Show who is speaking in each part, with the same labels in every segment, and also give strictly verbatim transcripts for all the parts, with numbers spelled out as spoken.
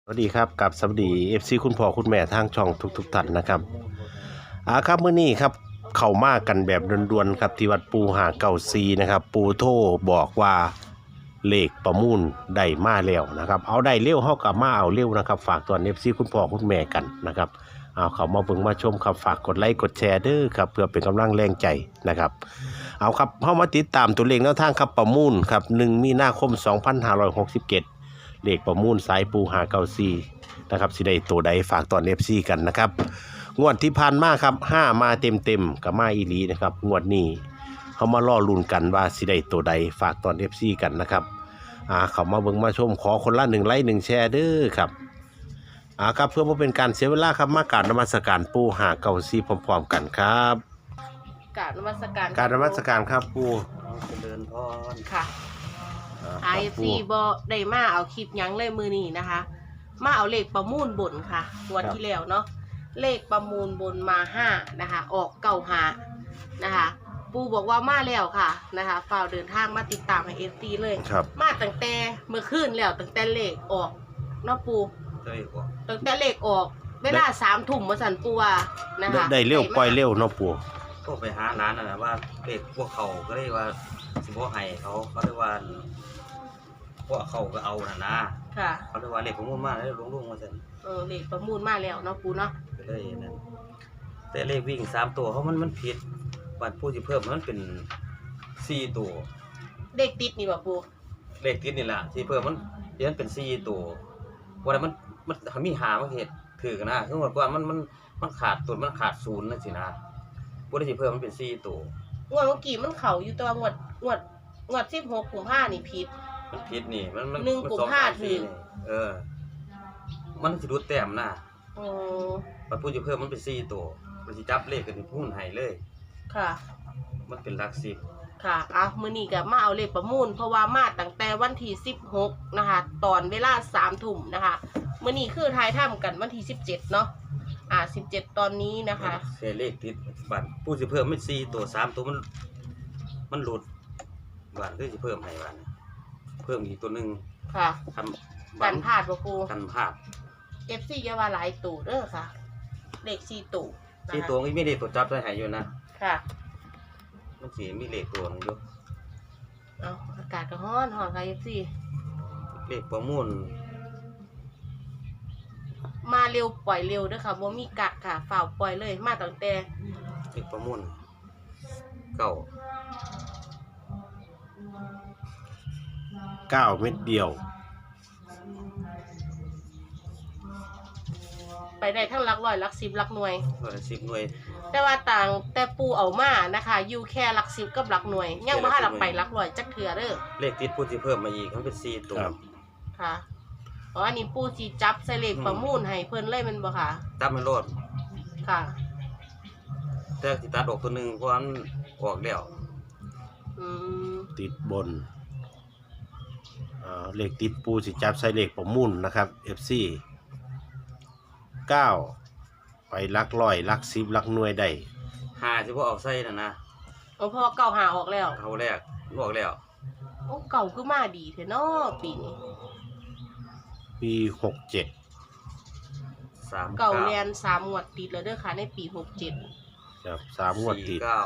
Speaker 1: วัสดีครับกับสวัสดี เอฟ ซี คุณพ่อคุณแม่ทางช่องทุกๆท่านนะครับอ่าครับมื้อนี้ครับเข้ามากันแบบด่วนๆครับที่วัดปูหาเก่าซีนะครับปูโทรบอกว่าเลขประมูลได้มาแล้วนะครับเอาได้เร็วเฮากับมาเอาเร็วนะครับฝากตอน เอฟ ซี คุณพ่อคุณแม่กันนะครับเอาเขามาเบิ่งมาชมครับฝากกดไลค์กดแชร์เด้อครับเพื่อเป็นกำลังแรงใจนะครับเอาครับเฮามาติดตามตัวเลขแนวทางครับประมูลครับหนึ่งมีนาคมสองพันห้าร้อยหกสิบเจ็ดเลขประมูลสายปูหาเก่าซีนะครับสิได้ตัวใดฝากตอน เอฟ ซี กันนะครับงวดที่ผ่านมาครับห้ามาเต็มๆกับมาอีหลีนะครับงวดนี้เขามาล่อลุ้นกันว่าสิได้ตัวใดฝากตอน เอฟ ซี กันนะครับอ่าเขามาเบิ่งมาชมขอคนละหนึ่งไลค์หนึ่งแชร์เด้อครับอ่าครับเพื่อบ่เป็นการเสียเวลาครับมากราบนมัสการปูหาเก่าซีพร้อมๆกันครับ
Speaker 2: กราบนมัสการ
Speaker 1: กราบนมัสการครับปู
Speaker 3: เจริญพร
Speaker 2: ค่ะ
Speaker 1: อ่า
Speaker 2: ไอ
Speaker 1: ครับ
Speaker 2: ซีบอได้มาเอาคลิปหยังเลยมือนี้นะคะ มาเอาเลขประมูลบนค่ะวันที่แล้วเนาะเลขประมูลบนมาห้านะคะ ออกเก้าหานะคะ ปูบอกว่ามาแล้วค่ะนะคะฝ่ากเดินทางมาติดตามให้เอฟซีเลย
Speaker 1: ครับ
Speaker 2: มาตั้งแต่เมื่อคืนแล้วตั้งแต่เลขออกเนาะปู
Speaker 3: เจ้าอีกว่า
Speaker 2: ตั้งแต่เลขออกเวลาสามทุ่มมาสันปูว่านะคะ
Speaker 1: ได้เร็วปล่อยเร็วเนาะปู
Speaker 3: ก็ไปหาร้านน่ะนะว่าเด็กพวกเขาก็เรียกว่าสิบ่ให้เขาเขาเรียกว่าพวกเขาก็เอาน่ะนะ
Speaker 2: ค่ะ
Speaker 3: เขาเรียกว่าเด็กของมุ่นมาแล้วลงๆมาซั่น
Speaker 2: เออเลขประมูลมาแล้วเนาะปูเนาะ
Speaker 3: ก็เลยนั่นแต่เลขวิ่งสามตัวเขามันมันผิดบัดผู้สิเพิ่มมันเป็นสี่ตัว
Speaker 2: เลขติดนี่บ่ปู
Speaker 3: เลขติดนี่ล่ะที่เพิ่มมันเดี๋ยวมันเป็นสี่ตัวว่าแต่มันมันมีหามาเฮ็ดถือกันนะคือว่าก่อนมันมันมันขาดตัวมันขาดศูนย์นั่นสินะบ่ได้สิเพิ่มมันเป็นสี่ตัว
Speaker 2: งวดเมื่อกี้มันเข่าอยู่แต่ว่างวดงวดงวดสิบหกกุมภานี่ผิด
Speaker 3: มันผิดนี่มันมัน
Speaker 2: หนึ่ง
Speaker 3: มั
Speaker 2: กุม
Speaker 3: สอ
Speaker 2: ภา
Speaker 3: สม
Speaker 2: ถือ
Speaker 3: สี่นี่เออ มันสิรูดแต้มนะ
Speaker 2: อ๋อ
Speaker 3: มันพูดจะเพิ่มมันเป็นสี่ตัวมันสิจับเลขกันที่พูนให้เลย
Speaker 2: ค่ะ
Speaker 3: มันเป็นหลักสิบ
Speaker 2: ค่ะอ่ะมื้อนี้ก็มาเอาเลขประมูลเพราะว่ามาตั้งแต่วันที่สิบหกนะคะ ตอนเวลาสามทุ่มนะคะมื้อนี้คือทายถ้ำกันวันที่สิบเจ็ดเนาะอ่าสิบเจ็ดตอนนี้นะคะ
Speaker 3: เสียเลขติดบัตรพูดจะเพิ่มไม่สี่ตัวสามตัวมัน มันหลุดบัตรก็จะเพิ่มให้บัตรเพิ่มอีกตัวหนึ่ง
Speaker 2: ค่ะ
Speaker 3: ทำ
Speaker 2: กันพลาดบ่ครู
Speaker 3: กันพลาด
Speaker 2: เอฟซีอย่าว่าหลายตู่เด้อค่ะ เลขสี่ตู่นะคะ
Speaker 3: สี่ตัวก็ไม่ได้ตัวจับได้ให้อยู่นะ
Speaker 2: ค่ะ
Speaker 3: มันสีมีเลขตัวหนึงอยู่
Speaker 2: เอาอากาศก็ร้อนร้อนค่ะเอฟซี
Speaker 3: เลขประมูล
Speaker 2: มาเร็วปล่อยเร็วเด้อค่ะบ่มีกักค่ะฝ่าวปล่อยเลยมาตั้งแต่
Speaker 3: เลขประมูลเก้า
Speaker 1: เก้าเม็ดเดียว
Speaker 2: ไปได้ทั้งหลักร้อยหลักสิบหลักหน่วย
Speaker 3: ร้อยสิบหน่วย
Speaker 2: แต่ว่าต่างแต่ปูเอามานะคะอยู่แค่หลักสิบกับหลักหน่วย ยังบ่ทันหลักไปหลักร้อยจักเทื่อเด้อ
Speaker 3: เลขติดพูดจะเพิ่มมาอีกมันเป็นสี่ตัว
Speaker 1: ครับ
Speaker 2: ค่ะอ๋ออันนี้ปูสิจับใส่เลขประมูลให้เพิ่นเลยแมันบ่ค่ะ
Speaker 3: จับมันโลด
Speaker 2: ค่ะ
Speaker 3: แต่สิตัดออกตัวหนึ่งเพราะมันออกแล้ว
Speaker 2: อืม
Speaker 1: ติดบนอ่าเลขติดปูสิจับใส่เลขประมูลนะครับ เอฟ ซี เก้าไปลักร้อยลักสิบลักหน่วยได้
Speaker 3: หาสิบ่เอาใส่น่ะนะ
Speaker 2: เอาพอเก่าหาออกแล้ว
Speaker 3: เขาแรกออกแล้ว
Speaker 2: โอ้เก่าคือมาดีแท้เนาะปีนี้
Speaker 1: ปีหกเจ็ด
Speaker 3: สาม
Speaker 2: เก่าแลนสามงวดติดแล้วเด้อค่ะในปีหกเจ็ด
Speaker 1: ครับสามงวดติ
Speaker 3: สี่
Speaker 1: ด
Speaker 3: เก้า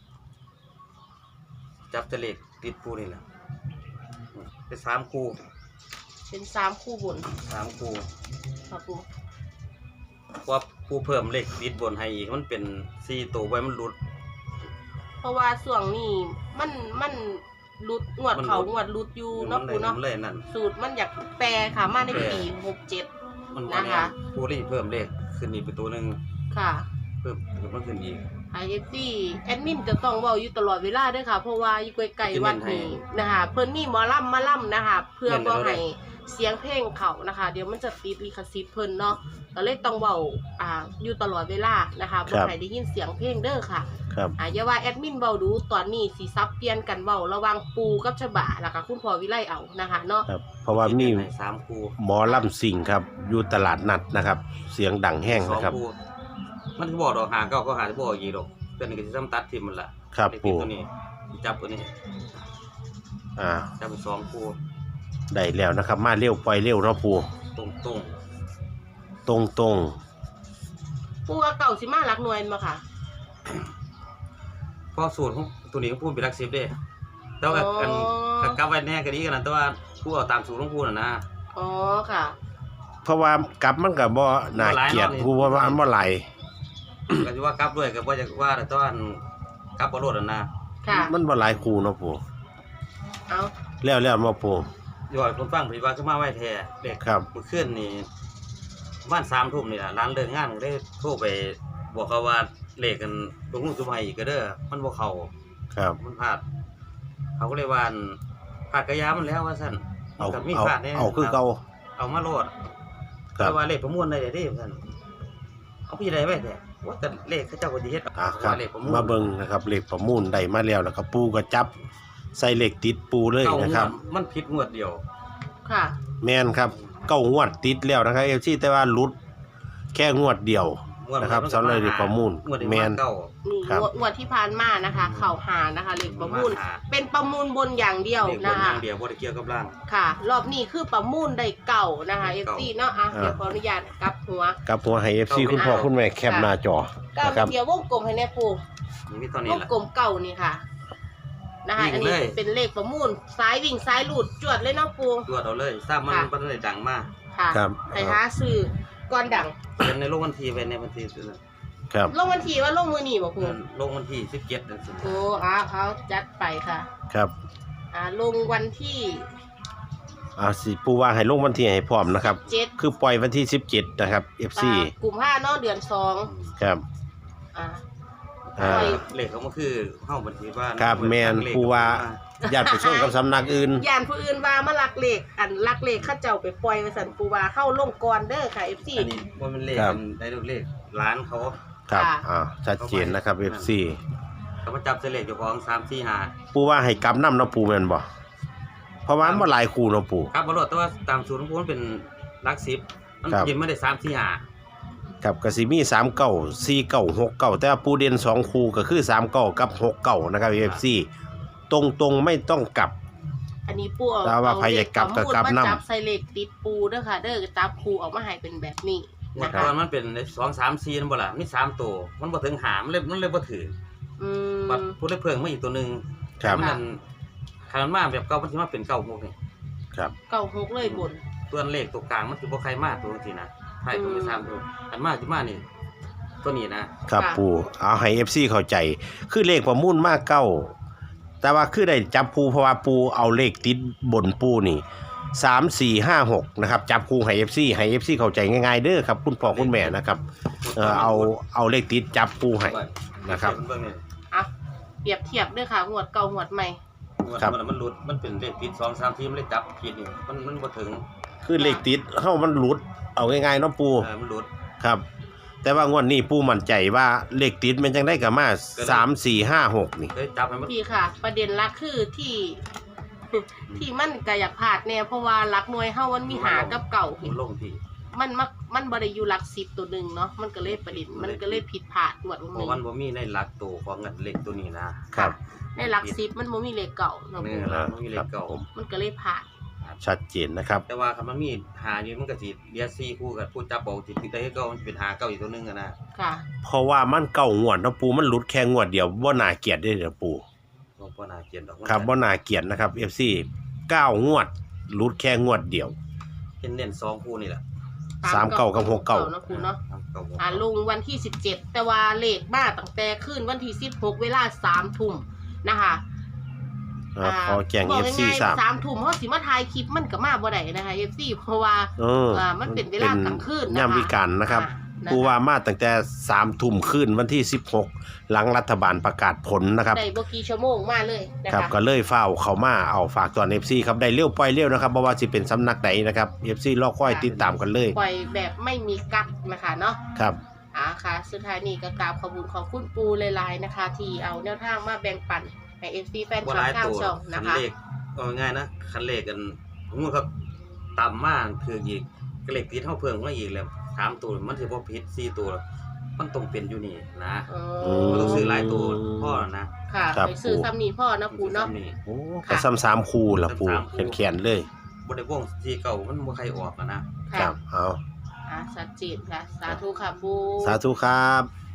Speaker 3: จับแตะเลขติดปูนี่แหละเป็นสามคู่
Speaker 2: เป็นสามคู่บน
Speaker 3: สามคู่
Speaker 2: ค่ะปู
Speaker 3: เพราะว่าผู้เพิ่มเลขติดบนให้อีกมันเป็นสี่ตัวไว้มันหลุด
Speaker 2: เพราะว่าส่วงนี้มันมันรุดงวด
Speaker 3: มัน
Speaker 2: เขา
Speaker 3: รุด
Speaker 2: งวดรุดอยู่
Speaker 3: มั
Speaker 2: เนาะ
Speaker 3: นเล
Speaker 2: ปู
Speaker 3: ย
Speaker 2: เนาะ
Speaker 3: มันเลยนั่น
Speaker 2: สูตรมันอยากแปลค่ะมาในปีหกเจ็ด
Speaker 3: มัน
Speaker 2: นะคะ
Speaker 3: ผู้ที่เพิ่มเลขขึ้นอีกเป็นตัวหนึ่ง
Speaker 2: ค่ะ
Speaker 3: เพิ่มมันขึ้นอีก
Speaker 2: ไอเอฟซีแอดมินจะต้องเว้าอยู่ตลอดเวลาเด้วยค่ะ เพราะว่าอยู่ไกลๆวัดนี้นะคะเพิ่นมีหมอลำมาล่ำนะคะเพื่อบ่ให้เสียงเพลงเขานะคะ เดี๋ยวมันจะติดลิขสิทธิ์เพิ่นเนาะก็เลยต้องเว้าอ่าอยู่ตลอดเวลานะคะบ่ให้ได้ยินเสียงเพลงเด้อค่ะ
Speaker 1: ครับ
Speaker 2: อ่าอย่าว่าแอดมินเว้าดูตอนนี้สิซับเปลี่ยนกันเว้าระหวังปูกับฉบะแล้วก็คุณพ่อวิไลเอานะคะเนาะ
Speaker 1: ครับ เพราะว่ามี
Speaker 3: ให้สามคู่
Speaker 1: หมอลำสิงครับ อยู่ตลาดนัดนะครับ เสียงดังแห้ง
Speaker 3: สอง
Speaker 1: นะครับ
Speaker 3: คู่มันจะบอกดอกหาเก้าก็หาจะบอกอีกดอกเพื่อนก็จะซ้ำตัดทิมมันละ
Speaker 1: ครับ
Speaker 3: เลขติด
Speaker 1: ปู่
Speaker 3: ตัวนี้จับตัวนี้
Speaker 1: อ่า
Speaker 3: จับเป็นสองคู่
Speaker 1: ได้แล้วนะครับ มาเร็วปล่อยเร็วเนาะปู
Speaker 3: ตรงตรง
Speaker 1: ตรงตรง
Speaker 2: ปูว่าเก่าสิมาหลักหน่วยมาค่ะ
Speaker 3: เพราะสูตรของตัวนี้ของผู้เป็นหลักสิบเด้แต่ว่ากันกับกลับไว้แน่ก็ดีกันนะแต่ว่าผู้เอาตามสูตรของผู้น่ะนะ
Speaker 2: อ๋อค่ะ
Speaker 1: ๆเพราะว่ากลับมันก็บ่น่าเกลียดผู้ว่ามันบ่ไหล
Speaker 3: ก็สิว่ากลับด้วยก็บ่อยากว่าแต่ว่าอันกลับบ่รอดน่ะนะ
Speaker 2: ค่ะ
Speaker 1: มันบ่หลายคู่เนาะปู่
Speaker 2: เอา
Speaker 1: แล้วแล้วมาปู่
Speaker 3: ยอยคนฟังเพิ่นว่าคือมาไว้แท้เด็ก
Speaker 1: ครับ
Speaker 3: มื้อคืนนี่ประมาณสามทุ่มนี่ล่ะร้านเลิกงานก็ได้โทรไปบอกเขาว่าเลขกันลงลูกจุ่มให้อีกก็เด้อมันบ่เข้า
Speaker 1: ครับ
Speaker 3: มันพลาดเขาก็เลยว่าอั่นพลาดกระยามันแล้วว่าซั่น
Speaker 1: เอา
Speaker 3: ก็มี
Speaker 1: เอา
Speaker 3: พลาดแน่
Speaker 1: เอาคือเก่า
Speaker 3: เอามาโลด
Speaker 1: ครับ
Speaker 3: แต่ว่าเลขประมวลได้เด้ว่าซั่นเอาพี่ได้ไว้แท้ว่าแต่เลขเขาเจ้าก็สิเฮ็ด
Speaker 1: อ่ะครับ
Speaker 3: ว่าเลขประมวล
Speaker 1: มาเบิ่งนะครับเลขประมูลได้มาแล้วแล้วก็ปูก็จับใส่เลขติดปูเลย
Speaker 3: เก้า
Speaker 1: นะครับ
Speaker 3: งวดมันผิดงวดเดียว
Speaker 2: ค่ะ
Speaker 1: แม่นครับเก้างวดติดแล้วนะครับ เอฟ ซี แต่ว่าหลุดแค่งวดเดียว
Speaker 3: งวด
Speaker 1: นะครับ
Speaker 3: มันก็
Speaker 1: สำหรับเลขประมูล
Speaker 3: งวดนี้
Speaker 1: แม่น
Speaker 3: เก้า
Speaker 2: นี่
Speaker 1: ครับ
Speaker 2: งวดงวดที่ผ่านมานะคะ เข่าหานะคะเลขประมูล
Speaker 3: หา
Speaker 2: เป็นประมูลบนอย่างเดียว
Speaker 3: เลขบ
Speaker 2: นะ
Speaker 3: นอ
Speaker 2: คะ
Speaker 3: ย่างเดียวบ่ได้เกี่ยวกับล่าง
Speaker 2: ค่ะ รอบนี้คือประมูลได้เก่านะคะเอฟ
Speaker 3: เก่า
Speaker 2: ซีเนาะอ่ะเดี๋ยวขออนุญาตกลับหัว
Speaker 1: กับหัวให้ เอฟ ซี คุณพ่อคุณแม่แคปหน้าจอ
Speaker 2: เก้า
Speaker 1: นะครับ
Speaker 2: เดียววงกลมให้แน่ปู
Speaker 3: นี่มีตอนนี้
Speaker 2: วง
Speaker 3: ล่ะ
Speaker 2: กลมเก่านี่ค่ะนะคะ
Speaker 3: วิ่ง
Speaker 2: อันนี้
Speaker 3: เลย
Speaker 2: เป็นเลขประมูลซ้ายวิ่งซ้ายหลุดจวดเลยเนาะปู
Speaker 3: ตรวจเอาเลยทราบมัน
Speaker 2: ค่ะ
Speaker 3: มันได้ดังมาก
Speaker 2: ค่ะ
Speaker 1: ครับ
Speaker 2: ให้หาซื้อก่อนดัง
Speaker 3: เป็นในโลกวันที่ไว้ในวันที่ซื่อ
Speaker 1: ครับ
Speaker 2: ลงวันที่ว่าลงมือหนีบ่ปู
Speaker 3: ๆโลกวันที่สิบเจ็ดนั่นสิ
Speaker 2: โอ้เอาเอาจัดไปค่ะ
Speaker 1: ครับ
Speaker 2: อ่าลงวันที่
Speaker 1: อ่าสิปูว่าให้ลงวันที่ให้พร้อมนะครับ
Speaker 2: เจ็ด
Speaker 1: คือปล่อยวันที่สิบเจ็ดนะครับ เอฟ ซี
Speaker 2: อ่ากลุ่มห้าเนาะเดือนสอง
Speaker 1: ครับ
Speaker 2: อ่า
Speaker 1: อ่า
Speaker 2: ปล่อย
Speaker 3: เลขเขามันคือเฮาบัญชีว่า
Speaker 1: ครับแม่นผู้ว่า ญาติไปส่งกับสำนักอื่น
Speaker 2: ยานผู้อื่นว่ามาลักเลขอันลักเลขเข้าเจ้าไปปล่อยไว้สันปูว่าเข้าลงก่อนเด้อค่ะ เอฟ ซี
Speaker 3: อันนี้ว่ามันเลข
Speaker 1: ครับ
Speaker 3: มันได้เลขร้านเขา
Speaker 1: ครับ
Speaker 2: ค่ะ
Speaker 1: อ่าชัดเจนนะครับ เอฟ ซี
Speaker 3: เขามาจับเสลขเจ้าของสามสี่ห้า
Speaker 1: ปูว่าให้กำน้ำเนาะปูแม่นบ่เพราะว่ามันบ่หลายคู่เนาะปู
Speaker 3: ครับบรอดแต่ว่าตามสูตรของผมมันเป็นหลักสิบมัน
Speaker 1: ครับ
Speaker 3: กินไม่ได้สามสี่ห้า
Speaker 1: ครับก็สิมีสามเก้าสี่เก้าหกเก้าแต่ว่าปูเด่นสองคู่ก็คือสามเก้ากับหกเก้านะครับ เอฟ ซี ตรงๆไม่ต้องกลับ
Speaker 2: อันนี้ปูเอา
Speaker 1: แต่ว่าใครอยากกลับก็กลับ
Speaker 2: เอาเลขประมูล
Speaker 1: นำ
Speaker 2: มาจับใส่เลขติดปูเด้อค่ะ เด้อจับคูออกมาให้เป็นแบบนี้
Speaker 3: เมื่อ
Speaker 2: นะ
Speaker 3: ก่
Speaker 2: คะ
Speaker 3: อนมันเป็นสองสามสี่นั่นบ่ล่ะมีสามตัวมันบ่ถึงหามันเลยมันเลยบ่ถือ
Speaker 2: อื
Speaker 3: บัด
Speaker 2: ม
Speaker 3: พูดได้เพิ่งมาอีกตัวหนึง
Speaker 1: ครับ
Speaker 3: มันนั่นคันมันมาแบบเก่ามันสิมาเป็นเก่าพวกนี้
Speaker 1: ครับ
Speaker 2: เก้าหกเลยบน
Speaker 3: ตัวเลขตัวกลางมันสิบ่ใครมาตัวจังซี่นะไทยตัวที่สามตัวอันมาสิมานี่ตัวนี้นะครับ
Speaker 1: ปูเอาให้ เอฟ ซี เข้าใจ คือเลขประมูลมากเก้าแต่ว่าคือได้จับปูเพราะว่าปูเอาเลขติดบนปูนี่สามสี่ห้าหกนะครับจับคู่ให้ เอฟ ซี ให้ เอฟ ซี เข้าใจง่ายๆเด้อครับคุณพ่อคุณแม่นะครับเออเอาเอาเลขติดจับปูให้ นะครับ
Speaker 3: เบิ่งนี่
Speaker 2: อ่ะเปรียบเทียบเด้อค่ะหวดเก่าหวดใหม่
Speaker 1: ครับ
Speaker 3: มันมันหลุดมันเป็นเลขผิดสองสามทีมันเลยจับผิดนี่มันมันบ่ถึง
Speaker 1: คือเลขติดเฮามันหลุดเอาง่ายๆเนาะปู
Speaker 3: เออมันหลุด
Speaker 1: ครับ แต่ว่างวดนี้ปูมั่นใจว่าเลขติดมันจังได้กับมาสามสี่ห้าหกนี่
Speaker 3: เลยจับให้มัน
Speaker 2: พี่ค่ะ ประเด็นหลักคือที่ ที่มันก็อยากพลาดแน่เพราะว่าหลักหน่วยเฮามันมีหากับเก่า
Speaker 3: มันลงที่
Speaker 2: มันมักมันบ่ได้อยู่หลักสิบตัวหนึ่งเนาะมันก็เลยประเด็นมันก็เลยผิดพลาดหมด
Speaker 3: เพ
Speaker 2: นึ
Speaker 3: ราะ
Speaker 2: ง
Speaker 3: มันบ่มีในหลักตัวของเงินเลขตัวนี้นะครับ
Speaker 2: ในหลักสิบมันบ่มีเลขเก่าเนาะ
Speaker 3: นี่ล่ะมันมีเลขเก่า
Speaker 1: ผม
Speaker 2: มันก็เลยพลาด
Speaker 1: ชัดเจนนะครับ
Speaker 3: แต่ว่าคันมันมีหาอยู่มันก็สิเรียกสี่คู่กับผู้จับเอาสิติดได้ให้เก่ามันเป็นหาเก่าอีกตัวหนึงอะนะ
Speaker 2: ค่ะ
Speaker 1: เพราะว่ามันเก่างวดเนาะปูมันหลุดแค่งวดเดียวบ่น่าเกลียดได้เด้อปู
Speaker 3: บ่บ่น่าเกลียดดอก
Speaker 1: ครับบ่น่าเกลียดนะครับ เอฟ ซี เก้างวดหลุดแค่งวดเดียว
Speaker 3: เน้นๆสองคู่นี่แหละ
Speaker 1: สามเก้ากับหกเก้า
Speaker 2: เนาะครูเนาะ
Speaker 3: สามเก้าหก
Speaker 2: อ่าลงวันที่สิบเจ็ดแต่ว่าเลขมาตั้งแต่คืนวันที่สิบหกเวลาสามทุ่มนะคะ
Speaker 1: อ่าขอแจ้ง
Speaker 2: บ
Speaker 1: เอ
Speaker 2: อก
Speaker 1: ฟ ซี
Speaker 2: ง่าย
Speaker 1: ทราบ
Speaker 2: ๆสามทุ่มเขาสิมาถ่ายคลิปมันก็มาบ่ได้นะคะ เอฟ ซี เพราะว่า
Speaker 1: เออ
Speaker 2: อ่ามันเป็นเวลากลางคืนนะคะ
Speaker 1: ยามวิกาลนะครับ
Speaker 2: อ่า
Speaker 1: ปูว่ามาตั้งแต่สามทุ่มคืนวันที่สิบหกหลังรัฐบาลประกาศผลนะครับ
Speaker 2: ได้บ่กี่ชั่วโมงมาเลยนะ
Speaker 1: ครับ
Speaker 2: คะ
Speaker 1: ก็เลยเฝ้าเขามาเอาฝากตอน เอฟ ซี ครับได้เลี้ยวปล่อยเลี้ยวนะครับบ่ว่าสิเป็นสำนักใดนะครับ เอฟ ซี รอคอยติดตามกันเลย
Speaker 2: ปล่อยแบบไม่มีกักนะคะเนาะ
Speaker 1: ครับ
Speaker 2: อ่าค่ะสุดท้ายนี้ก็กราบขอบคุณของคุณปูหลายๆนะคะ ที่เอาแนวทางมาแบ่งปันให้ เอฟ ซี แฟน
Speaker 3: บ่
Speaker 2: คลั
Speaker 3: ห
Speaker 2: บ
Speaker 3: ลาย
Speaker 2: ทาง
Speaker 3: ตัว
Speaker 2: ช่อง
Speaker 3: คั
Speaker 2: นะ
Speaker 3: น
Speaker 2: คะ
Speaker 3: เลขเอาง่ายๆนะคันเลขกันผมว่าครับต่ำมากคืออีกก็เลขติดเท่าเพิ่มมาอีกแล้วสามตัวมันสิบ่ผิดสี่ตัวมันต้องเป็นอยู่นี่นะ
Speaker 2: อ๋อ
Speaker 3: มันต้องซื้อหลายตัวพ่อนะ
Speaker 2: ค่ะ
Speaker 1: ครับ
Speaker 2: ไปซื้อซ้ำนี่พ่อนะปูเนาะ
Speaker 3: นี่
Speaker 1: โอ้ก็ซ้ำสามคู่ละปู
Speaker 3: ซ้ำสามคู่
Speaker 1: แขนๆเลย
Speaker 3: บ่ได้วงที่เก่ามันบ่ใครออกอะนะ
Speaker 1: ครับเอา
Speaker 2: อ่ะชัดเจนค่ะ สาธุค่ะปู
Speaker 1: สาธุครับ